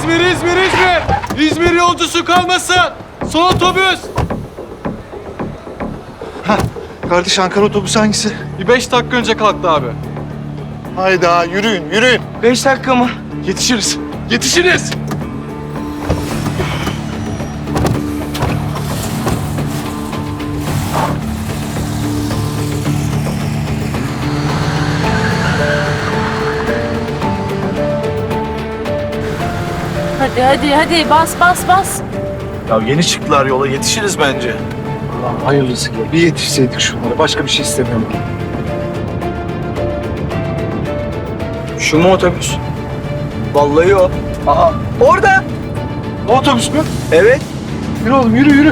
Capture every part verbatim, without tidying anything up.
İzmir, İzmir, İzmir! İzmir yolcusu kalmasın! Son otobüs! Hah, kardeş Ankara otobüsü hangisi? Bir beş dakika önce kalktı abi. Hayda yürüyün, yürüyün. Beş dakika mı? Yetişiriz, yetişiriz! Hadi hadi hadi bas bas bas. Ya yeni çıktılar yola, yetişiriz bence. Allah hayırlısı gel. Bir yetişseydik şunlara, başka bir şey istemiyorum. Şu mu otobüs? Vallahi o. Aa, orada. O otobüs mü? Evet. Yürü oğlum, yürü yürü.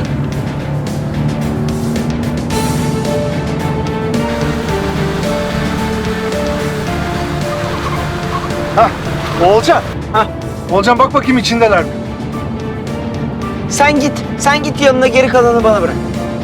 Hah, Oğulcan. Hah. Oğulcan bak bakayım içindeler mi? Sen git. Sen git yanına, geri kalanı bana bırak.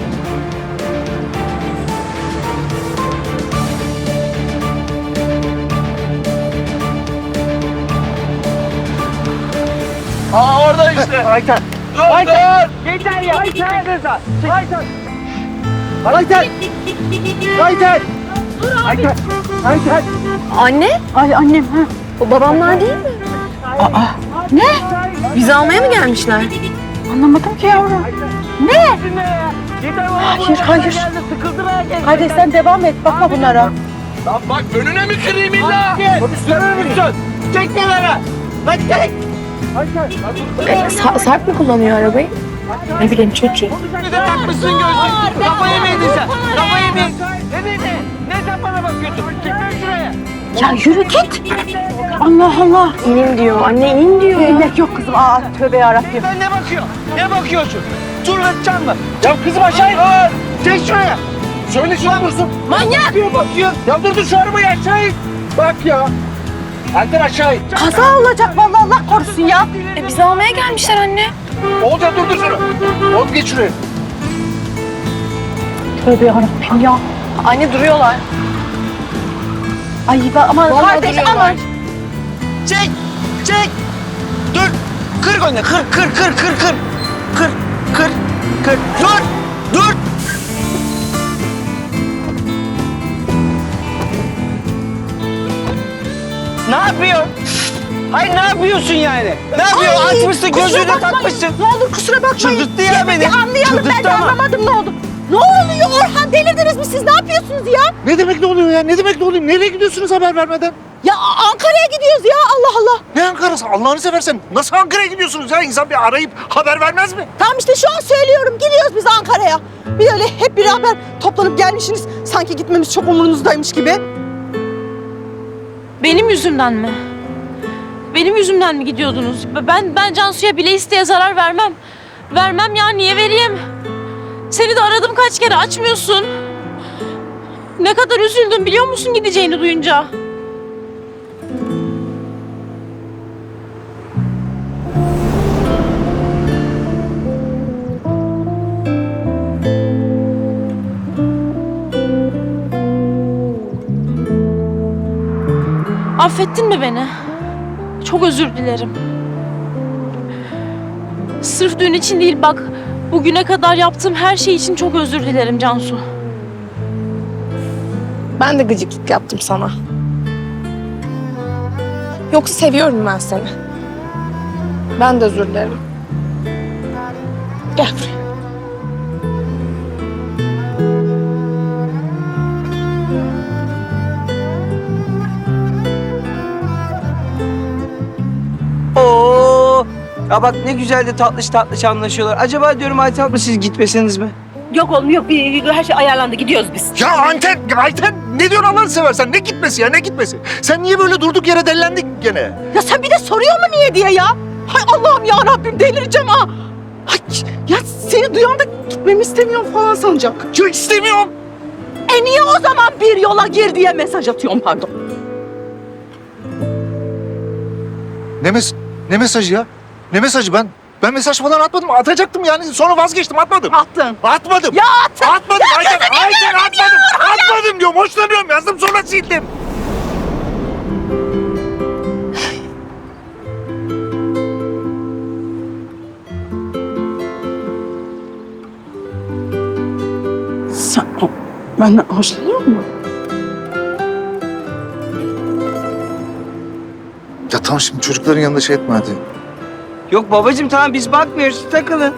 Aa orada işte! Ayten. Ayten! Yeter ya! Ayten! Ayten! Ayten. Ayten. Ayten. Ayten. Anne? Ay annem ha. O babamlar değil mi? Aa, ne? Bizi almaya mı gelmişler? Anlamadım ki yavrum. Ne? Hayır, hayır. Hadi sen devam et, bakma bunlara. Lan bak önüne mi kırayım illa? Otobüslerine mi gideceksin? Çek kenara! Lan çek! E, Sa- Sarp mı kullanıyor arabayı? Ne bileyim çocuğum. Bir de takmışsın gözlüğü. Kafayı mı yedin sen? Kafayı mı yedin? Ne dedi? Ne sen bana bakıyorsun? Çıkın şuraya. Ya yürü git. Allah Allah. İnin diyor. Anne inin diyor ya. İnmek yok kızım. Aa tövbe yarabbim. Sen ne bakıyorsun? Ne bakıyorsun? Turlatacağım mı? Ya kızım aşağı in. Aa, çek şuraya. Söyle şuna mısın? Manyak! Bakıyor bakıyor. Ya dur dur şu arabayı aşağı in. Bak ya. Erken aşağı in. Kaza olacak vallahi, Allah korusun ya. E, bizi almaya gelmişler anne. Oğulcan dur dur şunu. Oğlum geç şuraya. Tövbe yarabbim ya. Anne duruyorlar. Ay ben aman Vallahi kardeş duruyorlar. aman. Çek. Çek. Dur. Kır gönlü. Kır kır kır kır kır. Kır kır kır. Dur. Dur. Ne yapıyor? Hayır ne yapıyorsun yani? Ne yapıyor? Ay, Açmışsın kusura gözlüğünü bakmayın. takmışsın. Ne olur kusura bakmayın. Çıldırttı ya Bir- beni. Bir anlayalım, ben Çıldırttı de ama. anlamadım ne oldu. Ne oluyor Orhan, delirdiniz mi siz? Ne yapıyorsunuz ya? Ne demek ne oluyor ya? Ne demek ne oluyor? Nereye gidiyorsunuz haber vermeden? Ya Ankara'ya gidiyoruz ya, Allah Allah. Ne Ankara'sı? Allah'ını seversen nasıl Ankara'ya gidiyorsunuz ya? İnsan bir arayıp haber vermez mi? Tamam işte şu an söylüyorum, gidiyoruz biz Ankara'ya. Bir öyle hep beraber toplanıp gelmişsiniz. Sanki gitmemiz çok umurunuzdaymış gibi. Benim yüzümden mi? Benim yüzümden mi gidiyordunuz? Ben ben Cansu'ya bile isteye zarar vermem. Vermem ya, niye vereyim? Seni de aradım kaç kere, açmıyorsun. Ne kadar üzüldüm biliyor musun gideceğini duyunca? Affettin mi beni? Çok özür dilerim. Sırf düğün için değil bak, bugüne kadar yaptığım her şey için çok özür dilerim Cansu. Ben de gıcıklık yaptım sana. Yoksa seviyorum ben seni. Ben de özür dilerim. Gel buraya. Oo. Ya bak ne güzel de tatlış tatlış anlaşıyorlar. Acaba diyorum Ayten abla siz gitmeseniz mi? Yok oğlum yok, bir, her şey ayarlandı, gidiyoruz biz. Ya Ayten, Ayten ne diyorsun Allah'ını seversen? Ne gitmesi ya, ne gitmesi? Sen niye böyle durduk yere dellendin gene? Ya sen bir de soruyor mu niye diye ya? Hay Allah'ım ya Rabbim, delireceğim ha. Ay, ya seni duyan da gitmemi istemiyorum falan sanacak. Ya istemiyorum. E niye o zaman bir yola gir diye mesaj atıyorum, pardon. Ne mes ne mesajı ya? Ne mesajı ben? Ben mesaj falan atmadım. Atacaktım yani. Sonra vazgeçtim. Atmadım. Attın. Atmadım. Ya attın. Atmadım. Ya Ayten, gözünü Ayten seveyim ya, atmadım. Orhan ya. Atmadım diyorum. Hoşlanıyorum. Yazdım sonra sildim. Benden hoşlanıyor mu? Ya tamam şimdi çocukların yanında şey etme hadi. Yok babacığım tamam biz bakmıyoruz takılın.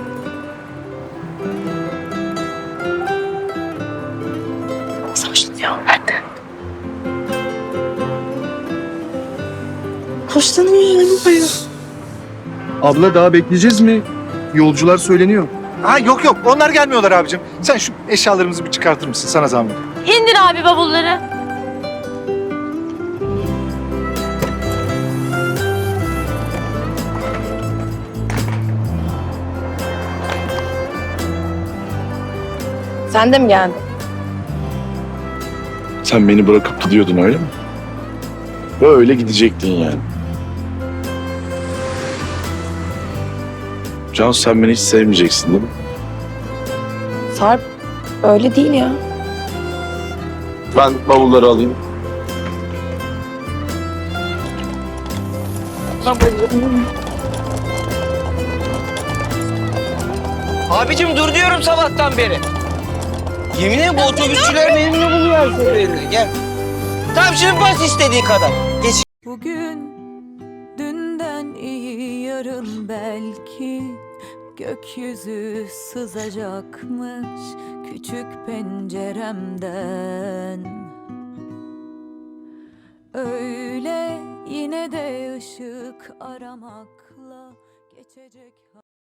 Nasıl hoşlanıyor benden? Hoşlanıyor yani bayağı. Abla daha bekleyeceğiz mi? Yolcular söyleniyor. Ha yok yok onlar gelmiyorlar abicim. Sen şu eşyalarımızı bir çıkartır mısın sana zahmet? İndir abi bavulları. Sen de mi geldin? Sen beni bırakıp gidiyordun öyle mi? Böyle gidecektin yani. Cansu sen beni hiç sevmeyeceksin değil mi? Sarp öyle değil ya. Ben bavulları alayım. Abicim dur diyorum sabahtan beri. Yemin ederim bu otobüsçüler memnun buluyor her seferinde. Gel. Tamam şimdi bas istediği kadar. Geç. Bugün dünden iyi yarın belki gökyüzü sızacakmış küçük penceremden. Öyle yine de ışık aramakla geçecek.